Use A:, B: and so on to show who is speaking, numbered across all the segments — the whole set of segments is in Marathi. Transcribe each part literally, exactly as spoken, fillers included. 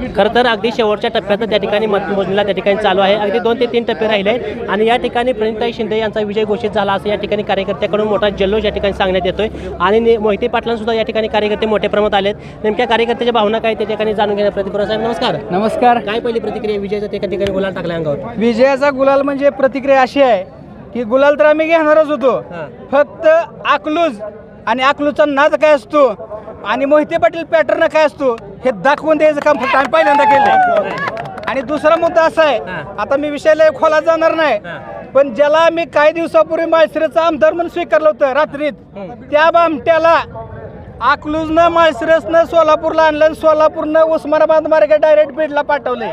A: खरं तर अगदी शेवटच्या टप्प्यात त्या ठिकाणी मतमोजणीला त्या ठिकाणी चालू आहे. अगदी दोन ते तीन टप्पे राहिले आहेत आणि या ठिकाणी प्रणिताई शिंदे यांचा विजय घोषित झाला असं या ठिकाणी कार्यकर्त्याकडून मोठा जल्लोष या ठिकाणी सांगण्यात येतोय आणि मोहिते पाटलांसुद्धा या ठिकाणी कार्यकर्ते मोठ्या प्रमाणात आलेत. नेमक्या कार्यकर्त्याच्या भावना काय त्या ठिकाणी जाणून घेण्या प्रतिक्रिया. साहेब नमस्कार.
B: नमस्कार.
A: काय पहिली प्रतिक्रिया विजयाचा त्या ठिकाणी गुलाल टाकला अंगावर?
B: विजयाचा गुलाल म्हणजे प्रतिक्रिया अशी आहे की गुलाल तर आम्ही घेणारच होतो, फक्त अकलूज आणि अकलूजचा नाद काय असतो आणि मोहिते पाटील पॅटर्न काय असतो हे दाखवून द्यायचं काम फक्त आम्ही पहिल्यांदा केलं. आणि दुसरा मुद्दा असा आहे, आता मी विषयाला खोलात जाणार नाही, पण ज्याला मी काही दिवसापूर्वी माळशिरसचा आमदार म्हणून स्वीकारलं होतं रात्रीत, त्या बामट्याला अकलूजनं माळशिरसनं सोलापूरला आणलं, सोलापूरनं उस्मानाबाद मार्गे डायरेक्ट बीडला पाठवले.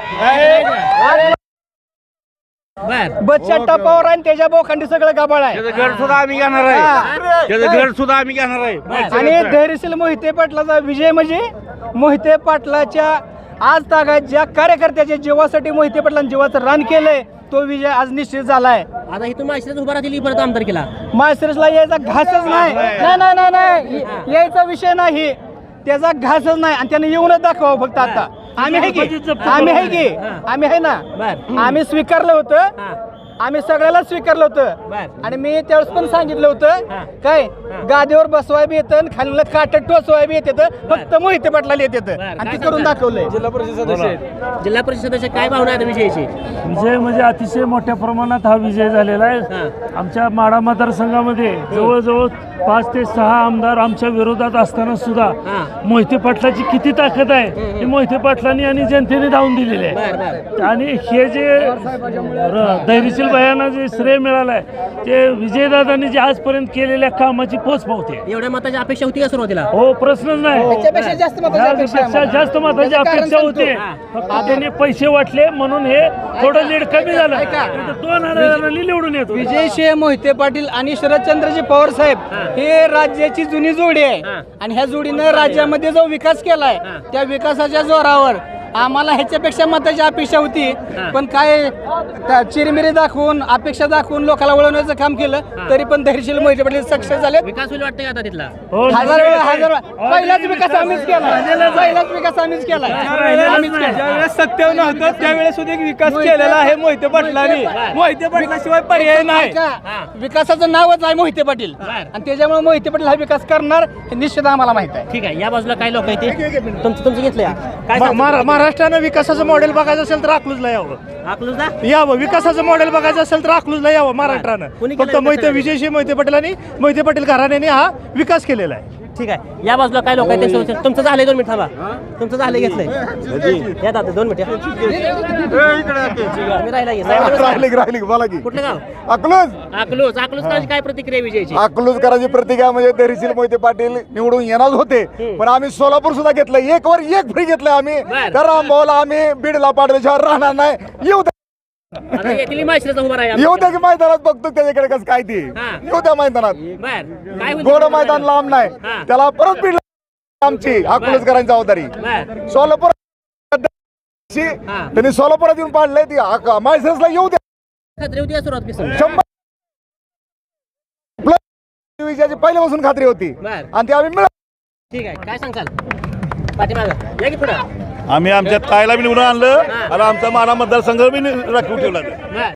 B: बच्चा टपावर आणि त्याच्या बोखंडी सगळं गाबाळ आहे.
C: घर सुद्धा आम्ही घेणार आहे, त्याचं घर सुद्धा आम्ही घेणार आहे.
B: आणि धैर्यशील मोहिते पाटलाचा विजय म्हणजे मोहिते पाटलाच्या आज तागात ज्या कार्यकर्त्याच्या जीवासाठी मोहिते पाटलांनी जीवाचं रान केलंय तो विजय आज निश्चित झालाय.
A: आता इथून माळशिरस उभा राहतील परत आमदार केला,
B: माळशिरसला यायचा घासच नाही. नाही नाही नाही नाही यायचा विषय नाही, त्याचा घासच नाही आणि त्याने येऊनच दाखवा फक्त. आता आम्ही आहे की आम्ही आहे की आम्ही आहे ना, आम्ही स्वीकारलं होतं, आम्ही सगळ्याला स्वीकारलं होतं. आणि मी त्यावेळेस पण सांगितलं होतं काय गादीवर बसवाय बी येतं, खाली काट टोचवाय बी येतं, फक्त मोहिते पाटलाला येत येतं आणि ते करून दाखवलंय.
A: जिल्हा परिषद सदस्य जिल्हा परिषद सदस्य काय भावना आहे विजयाची?
D: विजय म्हणजे अतिशय मोठ्या प्रमाणात हा विजय झालेला आहे. आमच्या माढा मतदारसंघामध्ये जवळजवळ पाच ते सहा आमदार आमच्या विरोधात असताना सुद्धा मोहिते पाटलाची किती ताकद आहे ही मोहिते पाटलांनी आणि जनतेने धावून दिलेली आहे. आणि हे जे धैर्यशील भयांना जे श्रेय मिळालं आहे ते विजयदादांनी जे आजपर्यंत केलेल्या कामाची पोच पावते.
A: एवढ्या मताची अपेक्षा होती का सुरुवातीला?
D: हो, प्रश्नच नाही.
B: त्याच्यापेक्षा जास्त मताची अपेक्षा
D: त्यापेक्षा जास्त मताची अपेक्षा होती, फक्त त्यांनी पैसे वाटले म्हणून हे थोडं लीड कमी झालं. दोन हजारांनी निवडून येतो.
B: विजयशिव मोहिते पाटील आणि शरदचंद्रजी पवार साहेब हे राज्याची जुनी जोडी आहे आणि ह्या जोडीनं राज्यामध्ये जो विकास केलाय त्या विकासाच्या जोरावर आम्हाला ह्याच्यापेक्षा मताची अपेक्षा होती, पण काय चिरमिरी दाखवून अपेक्षा दाखवून लोकांना वळवण्याचं काम केलं, तरी पण धैर्यशील मोहिते पाटील सक्सेस झाले.
A: विकास होईल वाटतं आता तिथला?
B: हजार वेळा हजार वेळा पहिलाच विकास आम्हीच केला, पहिलाच विकास आम्हीच केला. ज्यावेळेस सत्तेवर नव्हतं त्यावेळेस सुद्धा विकास केलेला आहे मोहिते पाटलांनी. मोहिते पाटलाशिवाय पर्याय नाही. विकासाचं नावच आहे मोहिते पाटील आणि त्याच्यामुळे मोहिते पाटील हा विकास करणार हे निश्चित आम्हाला माहित आहे.
A: ठीक आहे. या बाजूला काय लोक आहेत ते तुमचं तुमचं घेतलं काय सांगता?
C: महाराष्ट्रानं विकासाचं मॉडेल बघायचं असेल तर अकलूजला यावं.
A: अकलूजला
C: यावं विकासाचं मॉडेल बघायचं असेल तर अकलूजला यावं. महाराष्ट्रानं फक्त मोहिते विजयशी मोहिते पाटीलांनी मोहिते पाटील घराण्याने हा विकास केलेला आहे.
A: ठीक आहे. या बाजूला काय लोक आहेत ते तुमचं झालंय? दोन मिनिट थांबा. तुमचं झालंय घेतलंय या दादा दोन मिनिट. कुठलं गाव?
E: अकलूज.
A: अकलूज. अकलूजकरांची काय प्रतिक्रिया विजयाची?
E: अकलूजकरांची प्रतिक्रिया म्हणजे धैर्यशील मोहिते पाटील निवडून येणार होते, पण आम्ही सोलापूर सुद्धा घेतलं, एक वर एक फ्री घेतलं आम्ही. तर रामभाऊला आम्ही बीडला पाठवल्याशिवाय राहणार नाही. येऊ द्या येऊ द्या की मैदानात बघतो त्याच्याकडे कसं काय ते येऊ द्या मैदानात. गोड मैदान लांब नाही, त्याला परत बीडला आमची अकलूजकरांची जबाबदारी. सोलापूर त्यांनी सोलापुरात येऊन पाडलंय ती माळशिरसला येऊ द्या. शंभर विजयाची पहिल्यापासून खात्री होती आणि ती आम्ही मिळत.
A: ठीक आहे. काय सांगताल पाठीमागं या की पुढं?
C: आम्ही आमच्या ताईला बी निवडून आणलं आणि आमचा मारा मतदारसंघ बी राखून ठेवला.